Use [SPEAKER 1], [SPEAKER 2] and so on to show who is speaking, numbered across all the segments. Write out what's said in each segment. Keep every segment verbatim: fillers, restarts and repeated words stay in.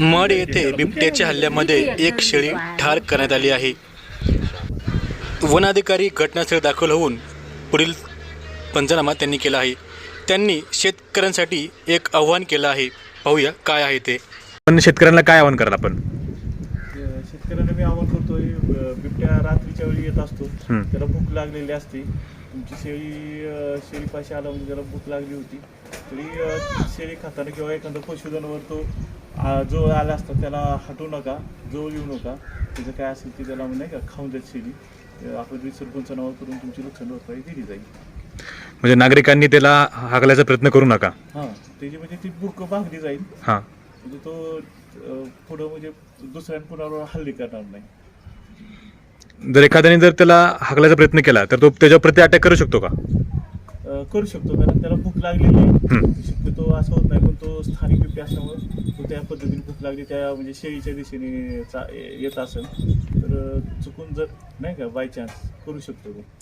[SPEAKER 1] Mud येथे बिबट्याच्या हल्ल्यामध्ये एक शेळी ठार करण्यात आली आहे. वन अधिकारी घटनास्थळी दाखल होऊन पुढील पंचनामा त्यांनी केला आहे. त्यांनी शेतकऱ्यांसाठी एक आव्हान केलं आहे. पाहूया काय आहे ते.
[SPEAKER 2] पण शेतकऱ्यांना काय आव्हान कराल आपण?
[SPEAKER 3] शेतकऱ्यांना मी आव्हान करतोय, बिबट्या रात्रीच्या वेळी येत असतो, त्याला भूक लागलेली असते. तुमची शेळी शेळीपाशी आला म्हणजे त्याला भूक लागली होती तरी शेळी खाताना किंवा एखादा पशुधनावर तो जो आला असता त्याला हटवू नका, जवळ येऊ नका. त्याचं काय असेल ते त्याला नाही का खाऊन देत शेळी. आपण रिसर पंचनामा करून तुमची नुकसान भरपाई दिली जाईल.
[SPEAKER 2] म्हणजे नागरिकांनी त्याला हाकलायचा प्रयत्न करू नका.
[SPEAKER 3] हां, त्याची म्हणजे ती भूक भागली जाईल.
[SPEAKER 2] हां,
[SPEAKER 3] म्हणजे तो पुढं म्हणजे दुसऱ्या कुणावर हल्ले करणार नाही.
[SPEAKER 2] जर एखाद्याने जर त्याला हाकलायचा प्रयत्न केला तर तो त्याच्यावर प्रति अटॅक करू शकतो का?
[SPEAKER 3] करू शकतो, कारण त्याला भूक लागलेली आहे. शक्यतो असं होत नाही, पण तो स्थानिक बिबट्या असल्यामुळे तो त्या पद्धतीने भूक लागली त्या म्हणजे शेळीच्या दिशेने येत असेल तर चुकून जर नाही का बाय चान्स करू शकतो तो.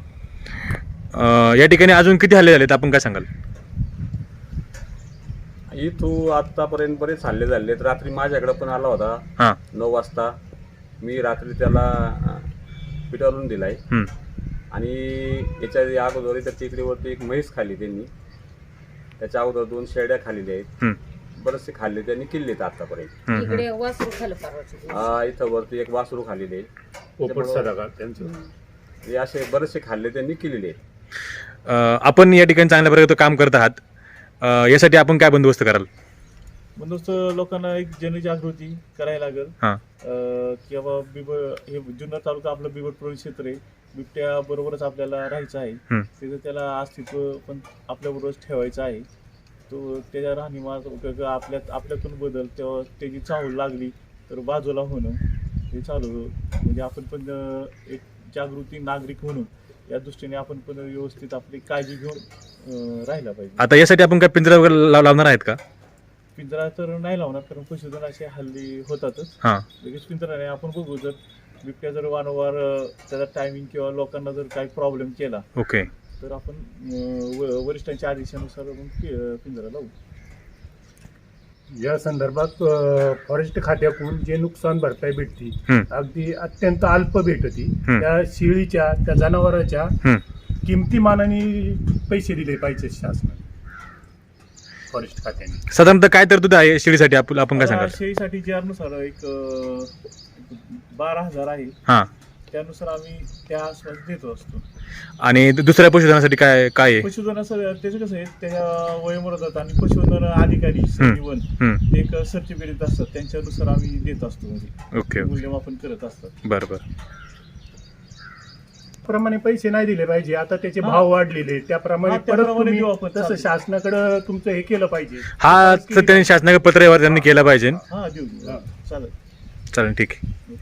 [SPEAKER 2] या ठिकाणी अजून किती हल्ले झालेत आपण काय सांगाल?
[SPEAKER 4] इथू आतापर्यंत बरेच हल्ले झाले. रात्री माझ्याकडे पण आला होता.
[SPEAKER 2] हां,
[SPEAKER 4] नऊ वाजता मी रात्री त्याला पिटाळून दिलाय. आणि याच्या अगोदर त्या टेकडीवरती एक म्हैस खाली त्यांनी, त्याच्या अगोदर दोन शेळ्या खाल्लेल्या आहेत. बरेचसे खाल्ले त्यांनी किल्लेत आतापर्यंत. हा, इथं वरती एक वासरू खाल्लेले आहे. असे बरेचसे खाल्ले त्यांनी केलेले आहेत.
[SPEAKER 2] आपण या ठिकाणी चांगल्या प्रकारे काम करत आहात. यासाठी आपण काय बंदोबस्त कराल?
[SPEAKER 3] बंदोबस्त लोकांना एक जनजागृती करायला लागेल.
[SPEAKER 2] हां,
[SPEAKER 3] की बाबा बिबट हे जुन्नर तालुका आपलं बिबट प्रवण क्षेत्र आहे. बिबट्या बरोबरच आपल्याला राहायचं आहे. त्याचं त्याला अस्तित्व पण आपल्याबरोबरच ठेवायचं आहे. तो त्याच्या राहणीमान आपल्यात आपल्यातून बदल तेव्हा त्याची चाहूल लागली तर बाजूला होणं हे चालू. म्हणजे आपण पण एक जागृती नागरिक म्हणून या दृष्टीने आपण पण व्यवस्थित आपली काळजी घेऊन राहायला पाहिजे.
[SPEAKER 2] आता यासाठी आपण काय पिंजरा वगैरे लावणार आहेत का?
[SPEAKER 3] पिंजरा तर नाही लावणार, कारण पशुधन असे हल्ली होतातच.
[SPEAKER 2] हां,
[SPEAKER 3] लगेच पिंजरा नाही. आपण बघू, जर बिबट्या जर वारंवार त्याचा टायमिंग किंवा लोकांना जर काही प्रॉब्लेम केला
[SPEAKER 2] ओके,
[SPEAKER 3] तर आपण वरिष्ठांच्या आदेशानुसार पिंजरा लावू.
[SPEAKER 5] या संदर्भात फॉरेस्ट खात्याकडून जे नुकसान भरपाई भेटती अगदी अत्यंत अल्प भेटती. त्या शेळीच्या त्या जनावरांच्या किमतीमानाने पैसे दिले पाहिजे शासनाने, फॉरेस्ट खात्याने.
[SPEAKER 2] साधारणतः काय तरतूद आहे शेळीसाठी आपण आपण काय सांगाल?
[SPEAKER 3] शेळीसाठी जे अनुसार एक बारा हजार आहे.
[SPEAKER 2] हां,
[SPEAKER 3] त्यानुसार आम्ही त्या आसपास देतो असतो.
[SPEAKER 2] आणि दुसऱ्या पशुधनासाठी काय काय आहे?
[SPEAKER 3] पशुधनाचं त्याचं कसं आहे, त्याच्या वयोमर्यादा आणि पशुधन अधिकारी वन एक सर्टिफिकेट असतात, त्यांच्यानुसार आम्ही देत असतो. म्हणजे
[SPEAKER 2] ओके,
[SPEAKER 3] मूल्यमापन करत असतात.
[SPEAKER 2] बरं बरं.
[SPEAKER 5] प्रमाणे पैसे नाही दिले पाहिजे. आता त्याचे भाव वाढलेले, त्याप्रमाणे परत तुम्ही तसं शासनाकडे तुमचं हे केलं पाहिजे.
[SPEAKER 2] हा, तर त्यांनी शासनाकडे पत्र त्यांनी केलं पाहिजे.
[SPEAKER 3] हा, देऊ देऊ. चालेल
[SPEAKER 2] चालेल, ठीक आहे.